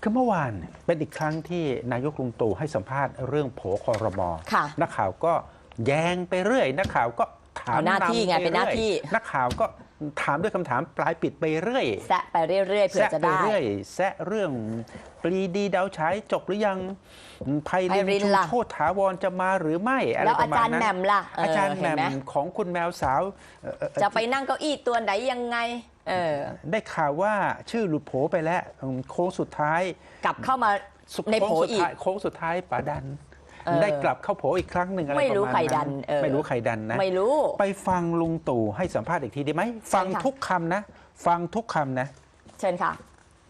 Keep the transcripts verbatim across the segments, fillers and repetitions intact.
คือเมื่อวานเป็นอีกครั้งที่นายกลุงตู่ให้สัมภาษณ์เรื่องโผครม.นักข่าวก็แย้งไปเรื่อยนักข่าวก็ถามหน้าที่ไงเป็นหน้าที่นักข่าวก็ถามด้วยคำถามปลายปิดไปเรื่อยแซะไปเรื่อยๆเผื่อจะได้แซะไปเรื่อยแซะเรื่องปรีดีดาวฉายจบหรือยังไพรินชูโชติถาวรจะมาหรือไม่อะไรประมาณนั้นแล้วอาจารย์แหม่มล่ะอาจารย์แหม่มของคุณแมวสาวจะไปนั่งเก้าอี้ตัวไหนยังไงเออได้ข่าวว่าชื่อหลุดโผไปแล้วโค้งสุดท้ายกลับเข้ามาในโผอีกโค้งสุดท้ายป๋าดันได้กลับเข้าโผอีกครั้งหนึ่งอะไรประมาณนั้นไม่รู้ใครดันไม่รู้ใครดันนะไม่รู้ไปฟังลุงตู่ให้สัมภาษณ์อีกทีได้ไหมฟังทุกคำนะฟังทุกคำนะเชิญค่ะ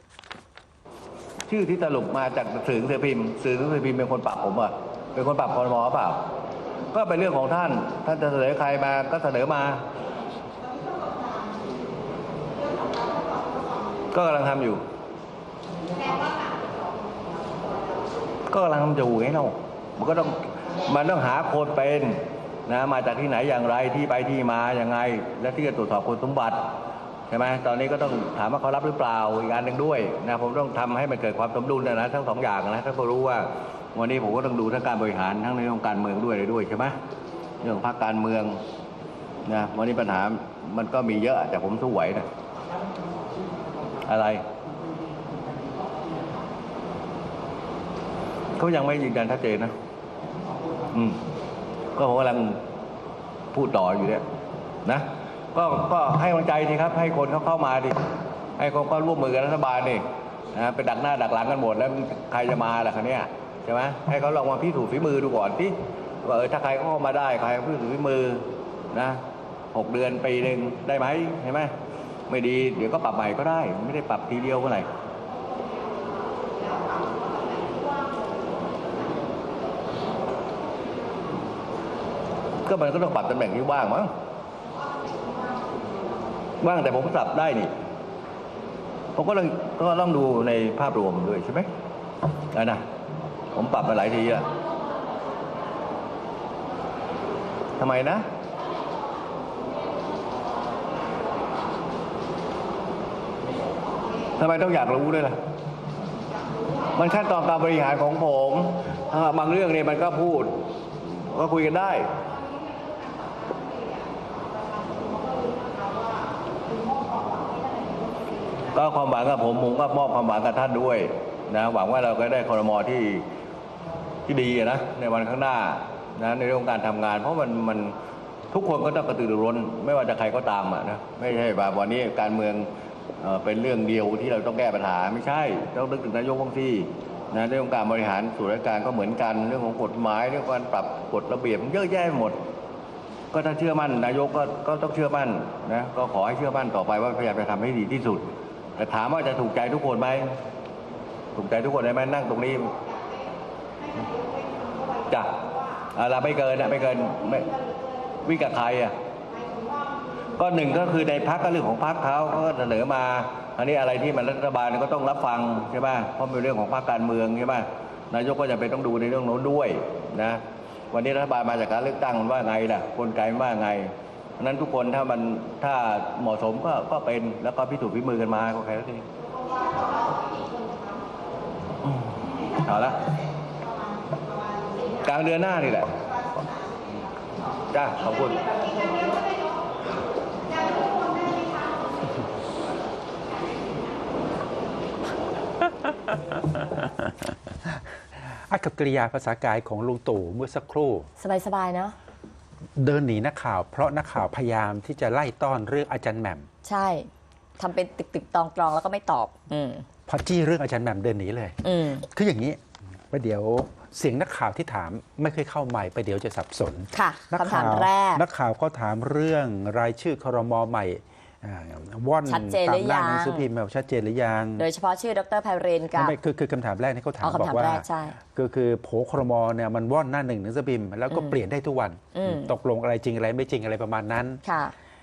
ชื่อที่สรุปมาจากสื่อหนังสือพิมพ์สื่อหนังสือพิมพ์เป็นคนปรับผมอ่ะเป็นคนปรับครม.เปล่าก็เป็นเรื่องของท่านท่านจะเสนอใครมาก็เสนอมาก็กำลังทำอยู่ก็กำลังทำอยู่ไงเรามันก็ต้องมันต้องหาคนเป็นนะมาจากที่ไหนอย่างไรที่ไปที่มาอย่างไงและที่จะตรวจสอบคุณสมบัติใช่ไหมตอนนี้ก็ต้องถามว่าเขารับหรือเปล่าอีกอันหนึ่งด้วยนะผมต้องทำให้มันเกิดความสมดุลนะทั้งสองอย่างนะถ้าเขารู้ว่าวันนี้ผมก็ต้องดูทั้งการบริหารทั้งในเรื่องการเมืองด้วยเลยด้วยใช่ไหมเรื่องพรรคการเมืองนะวันนี้ปัญหามันก็มีเยอะแต่ผมสู้ไหวนะอะไรเขายังไม่ยืนยันชัดเจนนะอืมก็ผมกำลังพูดต่ออยู่เนี่ยนะก็ก็ให้กำลังใจดีครับให้คนเขาเข้ามาดิให้เขาก็ร่วมมือกับรัฐบาลนี่นะไปดักหน้าดักหลังกันหมดแล้วใครจะมาล่ะคันนี้ใช่ไหมให้เขาลองมาพิสูจน์ฝีมือดูก่อนที่ว่าเออถ้าใครเข้ามาได้ใครพิสูจน์ฝีมือนะหกเดือนปีหนึ่งได้ไหมใช่ไหมไม่ดีเดี๋ยวก็ปรับใหม่ก็ได้ไม่ได้ปรับทีเดียวเมื่อไหร่ก็มันก็ต้องปรับตำแหน่งที่ว่างมั้งว่างแต่ผมปรับได้นี่ผมก็ต้องก็ต้องดูในภาพรวมด้วยใช่ไหมอ่ะนะผมปรับมาหลายทีแล้วทำไมนะทำไมต้องอยากรู้ด้วยล่ะมันขั้นตอนการบริหารของผมบางเรื่องเนี่ยมันก็พูดก็คุยกันได้ก็ความหวังกับผมผมก็มอบความหวังกับท่านด้วยนะหวังว่าเราก็ได้ครม.ที่ที่ดีนะในวันข้างหน้านะในเรื่องการทำงานเพราะมันมันทุกคนก็ต้องกระตือรือร้นไม่ว่าจะใครก็ตามอ่ะนะไม่ใช่ว่าวันนี้การเมืองเป็นเรื่องเดียวที่เราต้องแก้ปัญหาไม่ใช่ต้องนึกถึงนายกบางทีนะเรื่องการบริหารส่วนราชการก็เหมือนกันเรื่องของกฎหมายเรื่องการปรับกฎระเบียบเยอะแยะหมดก็ถ้าเชื่อมั่นนายกก็ก็ต้องเชื่อมั่นนะก็ขอให้เชื่อมั่นต่อไปว่าพยายามจะทำให้ดีที่สุดแต่ถามว่าจะถูกใจทุกคนไหมถูกใจทุกคนได้ไหมนั่งตรงนี้จ้ะเราไม่เกินนะไม่เกินไม่วิกับใครอ่ะก็หนึ่งก็คือในพรรคก็เรื่องของพรรคเขาเขาเสนอมาอันนี้อะไรที่มันรัฐบาลก็ต้องรับฟังใช่ไหมเพราะเป็นเรื่องของพรรคการเมืองใช่ไหมนายกก็จะเป็นต้องดูในเรื่องโน้นด้วยนะวันนี้รัฐบาลมาจากการเลือกตั้งมันว่าไงล่ะกลไกมันว่าไงเพราะนั้นทุกคนถ้ามันถ้าเหมาะสมก็ก็เป็นแล้วก็พิสูจน์ฝีมือกันมาก็แค่นั้นเองเอาละกลางเดือนหน้านี่แหละจ้าขอบคุณอากับกริยาภาษากายของลุงตู่เมื่อสักครู่สบายๆเนาะเดินหนีนักข่าวเพราะนักข่าวพยายามที่จะไล่ต้อนเรื่องอาจารย์แหม่มใช่ทำเป็นตึกๆตองตรองแล้วก็ไม่ตอบอืมพอจี้เรื่องอาจารย์แหม่มเดินหนีเลยอืมคืออย่างนี้ไปเดี๋ยวเสียงนักข่าวที่ถามไม่เคยเข้าใหม่ไปเดี๋ยวจะสับสนค่ะคำถามแรกนักข่าวก็ถามเรื่องรายชื่อครม.ใหม่ว่อนชัดเจนหรือยังหนังสือพิมพ์แบบชัดเจนหรือยังโดยเฉพาะชื่อดร.ไพรินกับไม่คือคือคำถามแรกที่เขาถามบอกว่าคือคือโผครม.เนี่ยมันว่อนหน้าหนึ่งหนังสือพิมพ์แล้วก็เปลี่ยนได้ทุกวันตกลงอะไรจริงอะไรไม่จริงอะไรประมาณนั้นค่ะ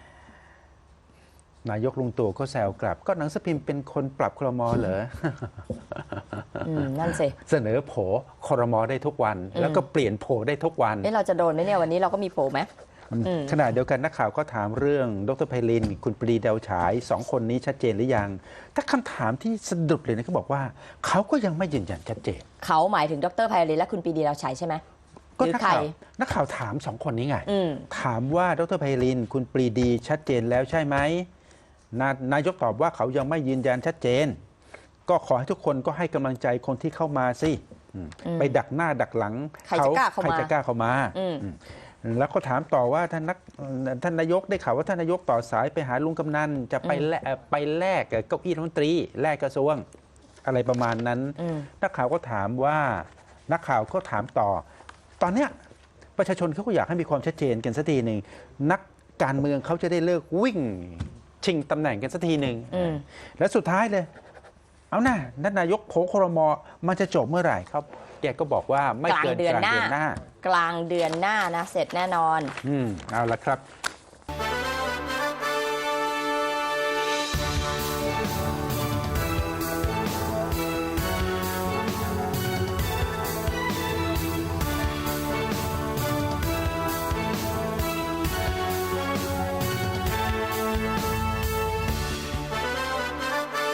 นายกลุงตู่ก็แซวกลับก็หนังสือพิมพ์เป็นคนปรับครม.เหรอนั่นสิเสนอโผครม.ได้ทุกวันแล้วก็เปลี่ยนโผได้ทุกวันเอ๊ะเราจะโดนไหมเนี่ยวันนี้เราก็มีโผไหมขณะเดียวกันนักข่าวก็ถามเรื่องดรไพลินคุณปรีดาวฉายสองคนนี้ชัดเจนหรือยังถ้าคำถามที่สะดุดเลยนะเขาบอกว่าเขาก็ยังไม่ยืนยันชัดเจนเขาหมายถึงดรไพลินและคุณปรีดีดาวฉายใช่ไหมก็นักข่าวนักข่าวถามสองคนนี้ไงถามว่าดรไพลินคุณปรีดีชัดเจนแล้วใช่ไหมนายกตอบว่าเขายังไม่ยืนยันชัดเจนก็ขอให้ทุกคนก็ให้กำลังใจคนที่เข้ามาสิไปดักหน้าดักหลังเขาใครจะกล้าเข้ามาแล้วก็ถามต่อว่าท่านนักท่านนายกได้ข่าวว่าท่านนายกต่อสายไปหาลุงกำนันจะไปแลกไปแลกเก้าอี้รัฐมนตรีแลกกระทรวงอะไรประมาณนั้นนักข่าวก็ถามว่านักข่าวก็ถามต่อตอนเนี้ยประชาชนเขาก็อยากให้มีความชัดเจนกันสักทีหนึ่งนักการเมืองเขาจะได้เลิกวิ่งชิงตำแหน่งกันสักทีหนึ่งแล้วสุดท้ายเลยเอาหน้าท่านนายกโผล่ครม.มันจะจบเมื่อไหร่ครับแกก็บอกว่าไม่เกินกลางเดือนหน้ากลางเดือนหน้านะเสร็จแน่นอนอืมเอาละครับ